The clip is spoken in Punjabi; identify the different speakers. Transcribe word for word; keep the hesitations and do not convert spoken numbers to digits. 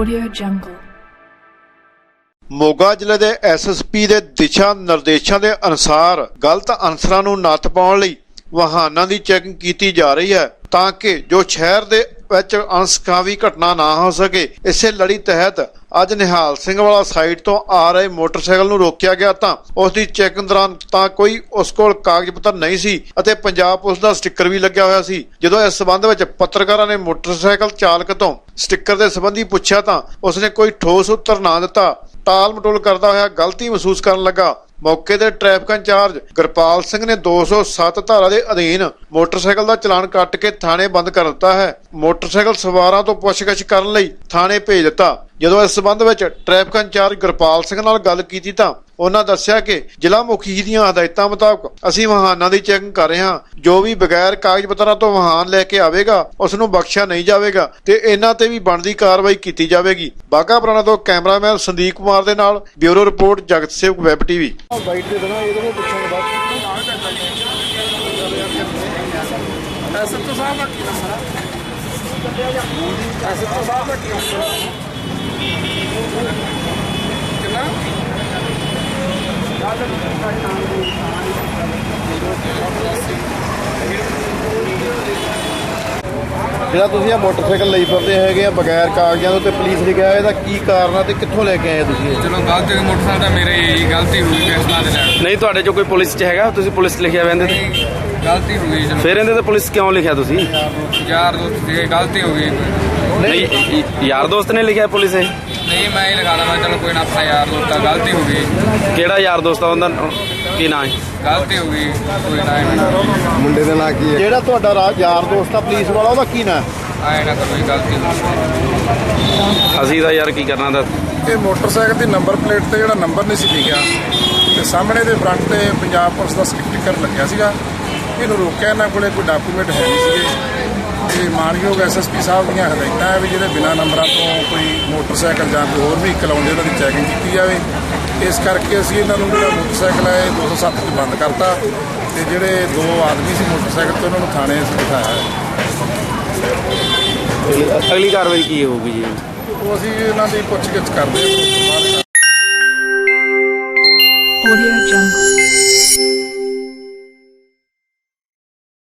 Speaker 1: Audio Jungle।
Speaker 2: ਮੋਗਾ ਜ਼ਿਲ੍ਹੇ ਦੇ ਐਸ ਐਸ ਪੀ ਦੇ ਦਿਸ਼ਾ ਨਿਰਦੇਸ਼ਾਂ ਦੇ ਅਨੁਸਾਰ ਗਲਤ ਅਨਸਰਾਂ ਨੂੰ ਨੱਥ ਪਾਉਣ ਲਈ ਵਾਹਨਾਂ ਦੀ ਚੈਕਿੰਗ ਕੀਤੀ ਜਾ ਰਹੀ ਹੈ ਤਾਂ ਕਿ ਜੋ ਸ਼ਹਿਰ ਦੇ ਵਿੱਚ ਅਣਸੁਖਾਵੀ ਘਟਨਾ ਨਾ ਹੋ ਸਕੇ। ਇਸੇ ਲੜੀ ਤਹਿਤ ਅੱਜ ਨਿਹਾਲ ਸਿੰਘ ਵਾਲਾ ਸਾਈਡ ਤੋਂ ਆ ਰਹੇ ਮੋਟਰਸਾਈਕਲ ਨੂੰ ਰੋਕਿਆ ਗਿਆ ਤਾਂ ਉਸ ਦੀ ਚੈਕਿੰਗ ਦੌਰਾਨ ਤਾਂ ਕੋਈ ਉਸ ਕੋਲ ਕਾਗਜ਼ ਪੱਤਰ ਨਹੀਂ ਸੀ ਅਤੇ ਪੰਜਾਬ ਪੁਲਿਸ ਦਾ ਸਟicker ਵੀ ਲੱਗਿਆ ਹੋਇਆ ਸੀ। ਜਦੋਂ ਇਸ ਸਬੰਧ ਵਿੱਚ ਪੱਤਰਕਾਰਾਂ ਨੇ ਮੋਟਰਸਾਈਕਲ ਚਾਲਕ ਤੋਂ ਸਟicker ਦੇ ਸੰਬੰਧੀ ਪੁੱਛਿਆ ਤਾਂ ਉਸਨੇ ਕੋਈ ਠੋਸ ਉੱਤਰ ਨਾ ਦਿੱਤਾ। ਟਾਲ ਮਟੋਲ ਕਰਦਾ ਹੋਇਆ ਗਲਤੀ ਮਹਿਸੂਸ ਕਰਨ ਲੱਗਾ। ਮੌਕੇ ਤੇ ਟ੍ਰੈਫਿਕ ਇੰਚਾਰਜ ਗੁਰਪਾਲ ਸਿੰਘ ਨੇ ਦੋ ਸੌ ਸੱਤ ਧਾਰਾ ਦੇ ਅਧੀਨ ਮੋਟਰਸਾਈਕਲ ਦਾ ਚਲਾਨ ਕੱਟ ਕੇ ਥਾਣੇ ਬੰਦ ਕਰ ਦਿੱਤਾ ਹੈ। ਮੋਟਰਸਾਈਕਲ ਸਵਾਰਾਂ ਤੋਂ ਪੁੱਛਗਿੱਛ ਕਰਨ ਲਈ ਥਾਣੇ ਭੇਜ ਦਿੱਤਾ। ਜਦੋਂ ਇਸ ਸਬੰਧ ਵਿੱਚ ਟ੍ਰੈਫਿਕ ਇੰਚਾਰਜ ਗੁਰਪਾਲ ਸਿੰਘ ਨਾਲ ਗੱਲ ਕੀਤੀ ਤਾਂ ਉਹਨਾਂ ਦੱਸਿਆ ਕਿ ਜ਼ਿਲ੍ਹਾ ਮੁਖੀ ਦੀਆਂ ਹਦਾਇਤਾਂ ਮੁਤਾਬਕ ਅਸੀਂ ਵਾਹਨਾਂ ਦੀ ਚੈਕਿੰਗ ਕਰ ਰਹੇ ਹਾਂ। ਜੋ ਵੀ ਬਗੈਰ ਕਾਗਜ਼ ਪੱਤਰਾਂ ਤੋਂ ਵਾਹਨ ਲੈ ਕੇ ਆਵੇਗਾ ਉਸ ਨੂੰ ਬਖਸ਼ਿਆ ਨਹੀਂ ਜਾਵੇਗਾ ਤੇ ਇਹਨਾਂ ਤੇ ਵੀ ਬਣਦੀ ਕਾਰਵਾਈ ਕੀਤੀ ਜਾਵੇਗੀ। ਬਾਘਾ ਪੁਰਾਣਾ ਤੋਂ ਕੈਮਰਾਮੈਨ ਸੰਦੀਪ ਕੁਮਾਰ ਦੇ ਨਾਲ ਬਿਊਰੋ ਰਿਪੋਰਟ ਜਗਤ ਸੇਵਕ ਵੈਬ ਟੀਵੀ।
Speaker 3: ਬਾਈਟ ਦੇ ਦੇਣਾ ਇਹਦੇ ਨੂੰ ਪੁੱਛਾਂਗੇ ਬਾਅਦ ਐਸਐਚਓ ਸਾਹਿਬ ਦਾ ਕੀ ਨੰਬਰ ਹੈ? ਐਸਐਚਓ ਸਾਹਿਬ ਦਾ ਕੀ ਨੰਬਰ ਹੈ? ਕਿੰਨਾ
Speaker 2: ਜਿਹੜਾ ਤੁਸੀਂ ਇਹ ਮੋਟਰਸਾਈਕਲ ਲਈ ਫਿਰਦੇ ਹੈਗੇ ਆ ਬਗੈਰ ਕਾਗਜ਼ਾਂ ਤੋਂ ਤੇ ਪੁਲਿਸ ਲਿਖਿਆ ਇਹਦਾ ਕੀ ਕਾਰਨ ਆ ਤੇ ਕਿੱਥੋਂ ਲੈ ਕੇ ਆਏ ਤੁਸੀਂ ਇਹ?
Speaker 4: ਚਲੋ ਗਲਤੀ ਮੋਟਰਸਾਈਕਲ ਤਾਂ ਮੇਰੇ ਹੀ ਗਲਤੀ ਹੋ ਗਈ ਫੈਸਲਾ ਦੇ ਨਾਲ।
Speaker 5: ਨਹੀਂ ਤੁਹਾਡੇ ਚੋਂ ਕੋਈ ਪੁਲਿਸ 'ਚ ਹੈਗਾ? ਤੁਸੀਂ ਪੁਲਿਸ ਲਿਖਿਆ ਹੋਇਆ ਇਹਦੇ ਤੇ?
Speaker 4: ਗਲਤੀ ਹੋ ਗਈ। ਚਲੋ
Speaker 5: ਫਿਰ ਇਹਦੇ ਤੇ ਪੁਲਿਸ ਕਿਉਂ ਲਿਖਿਆ ਤੁਸੀਂ?
Speaker 4: ਯਾਰ ਦੋਸਤ ਦੀ ਗਲਤੀ ਹੋ ਗਈ।
Speaker 5: ਨਹੀਂ y- ਯਾਰ ਦੋਸਤ ਨੇ ਲਿਖਿਆ ਪੁਲਿਸ ਇਹ?
Speaker 4: ਨਹੀਂ ਮੈਂ ਹੀ ਲਗਾ ਦਵਾਂ। ਚਲੋ ਕੋਈ ਨਾ, ਆਪਣਾ ਯਾਰ ਦੋਸਤ ਆ, ਗਲਤੀ ਹੋ ਗਈ।
Speaker 5: ਕਿਹੜਾ ਯਾਰ ਦੋਸਤ ਆ ਉਹਦਾ ਕੀ ਨਾਂ ਹੈ?
Speaker 4: ਗਲਤੀ ਹੋ ਗਈ ਕੋਈ ਨਾ।
Speaker 3: ਮੁੰਡੇ ਦਾ ਨਾਂ ਕੀ ਹੈ?
Speaker 2: ਜਿਹੜਾ ਤੁਹਾਡਾ ਰਾਜ ਯਾਰ ਦੋਸਤ ਆ ਪੁਲਿਸ ਵਾਲਾ ਉਹਦਾ ਕੀ ਨਾਂ?
Speaker 4: ਆਏ ਨਾ ਕੋਈ ਗਲਤੀ ਹੋ ਗਈ।
Speaker 5: ਅਸੀਂ ਤਾਂ ਯਾਰ ਕੀ ਕਰਨਾ ਦਾ।
Speaker 3: ਇਹ ਮੋਟਰਸਾਈਕਲ ਦੀ ਨੰਬਰ ਪਲੇਟ ਤੇ ਜਿਹੜਾ ਨੰਬਰ ਨਹੀਂ ਸੀ ਲਿਖਿਆ ਤੇ ਸਾਹਮਣੇ ਦੇ ਫਰੰਟ ਤੇ ਪੰਜਾਬ ਪੁਲਿਸ ਦਾ ਸਟicker ਲੱਗਿਆ ਸੀਗਾ। ਇਹਨੂੰ ਰੋਕਿਆ, ਇਹਨਾਂ ਕੋਲੇ ਕੋਈ ਡਾਕੂਮੈਂਟ ਹੈ ਨਹੀਂ ਸੀਗੇ। ਇਹ ਮਾਨਯੋਗ ਐਸ ਐਸ ਪੀ ਸਾਹਿਬ ਦੀਆਂ ਹਦਾਇਤਾਂ ਹੈ ਵੀ ਜਿਹੜੇ ਬਿਨਾਂ ਨੰਬਰਾਂ ਤੋਂ ਕੋਈ ਮੋਟਰਸਾਈਕਲ ਜਾਂ ਕੋਈ ਹੋਰ ਵਹੀਕਲ ਆਉਂਦੇ ਉਹਨਾਂ ਦੀ ਚੈਕਿੰਗ ਕੀਤੀ ਜਾਵੇ। ਇਸ ਕਰਕੇ ਅਸੀਂ ਇਹਨਾਂ ਨੂੰ ਜਿਹੜਾ ਮੋਟਰਸਾਈਕਲ ਹੈ ਦੋ ਸੌ ਸੱਤ 'ਚ ਬੰਦ ਕਰਤਾ ਤੇ ਜਿਹੜੇ ਦੋ ਆਦਮੀ ਸੀ ਮੋਟਰਸਾਈਕਲ ਤੇ ਉਹਨਾਂ ਨੂੰ ਥਾਣੇ ਅਸੀਂ ਬਿਠਾਇਆ ਹੈ।
Speaker 5: ਅਗਲੀ ਕਾਰਵਾਈ ਕੀ ਹੋਊਗੀ ਜੀ?
Speaker 3: ਉਹ ਅਸੀਂ ਇਹਨਾਂ ਦੀ ਪੁੱਛਗਿੱਛ ਕਰਦੇ ਹਾਂ।
Speaker 1: Audio Jungle।